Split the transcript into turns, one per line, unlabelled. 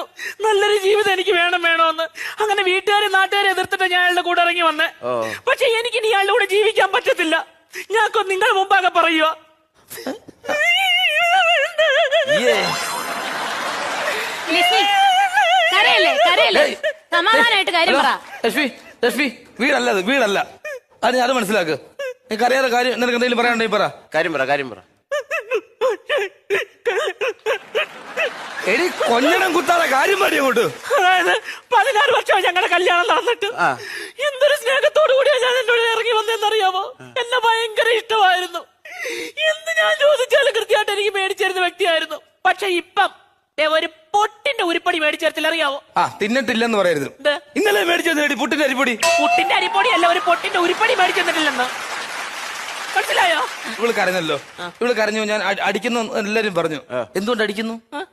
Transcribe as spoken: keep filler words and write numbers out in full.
പറഞ്ഞായിരുന്നു നല്ലൊരു ജീവിതം എനിക്ക് വേണം വേണോന്ന്. അങ്ങനെ വീട്ടുകാരെ നാട്ടുകാരെ എതിർത്തിട്ട് ഞാൻ അയാളുടെ കൂടെ ഇറങ്ങി വന്നേ. പക്ഷെ എനിക്ക് ഇനി അയാളുടെ കൂടെ ജീവിക്കാൻ പറ്റത്തില്ല. ഞാനൊക്കെ നിങ്ങൾ മുമ്പാകെ പറയുക.
സമാധാനമായിട്ട് കാര്യം പറ.
ലക്ഷ്മി ലക്ഷ്മി വീടല്ലത്, വീടല്ല. അത് അത് മനസ്സിലാക്ക്. നിനക്ക് അറിയാതെ കാര്യം നിനക്ക് എന്തെങ്കിലും പറയാനുണ്ടെങ്കിൽ പറ.
കാര്യം പറ കാര്യം പറ
എടി കൊഞ്ഞണം കുത്താതെ കാര്യം പറയും അങ്ങോട്ട്.
അതായത് പതിനാറ് വർഷമായി ഞങ്ങളുടെ കല്യാണം നടന്നിട്ട് എന്തൊരു സ്നേഹത്തോടു കൂടിയാ ഞാൻ എന്നോട് ഇറങ്ങി വന്നതെന്നറിയാമോ? എന്നെ ഭയങ്കര ഇഷ്ടമായിരുന്നു. എന്ത് ഞാൻ ചോദിച്ചാലും കൃത്യമായിട്ട് എനിക്ക് മേടിച്ചിരുന്ന വ്യക്തിയായിരുന്നു. പക്ഷെ ഇപ്പം ദേ ഒരു പൊട്ടിന്റെ ഉരുപ്പടി മേടിച്ചേർത്തില്ല, അറിയാവോ?
ആ തിന്നിട്ടില്ലെന്ന് പറയരുത്. ഇന്നലെ മേടിച്ചെടി പുട്ടിന്റെ അരിപ്പൊടി.
പുട്ടിന്റെ അരിപ്പൊടി അല്ല, ഒരു പൊട്ടിന്റെ ഉരുപ്പടി മേടിച്ചെന്നിട്ടില്ലെന്ന്. മനസ്സിലായോ?
ഇവള് കരഞ്ഞല്ലോ. ഇവള് കരഞ്ഞു. ഞാൻ അടിക്കുന്നു എല്ലാരും പറഞ്ഞു. എന്തുകൊണ്ട് അടിക്കുന്നു?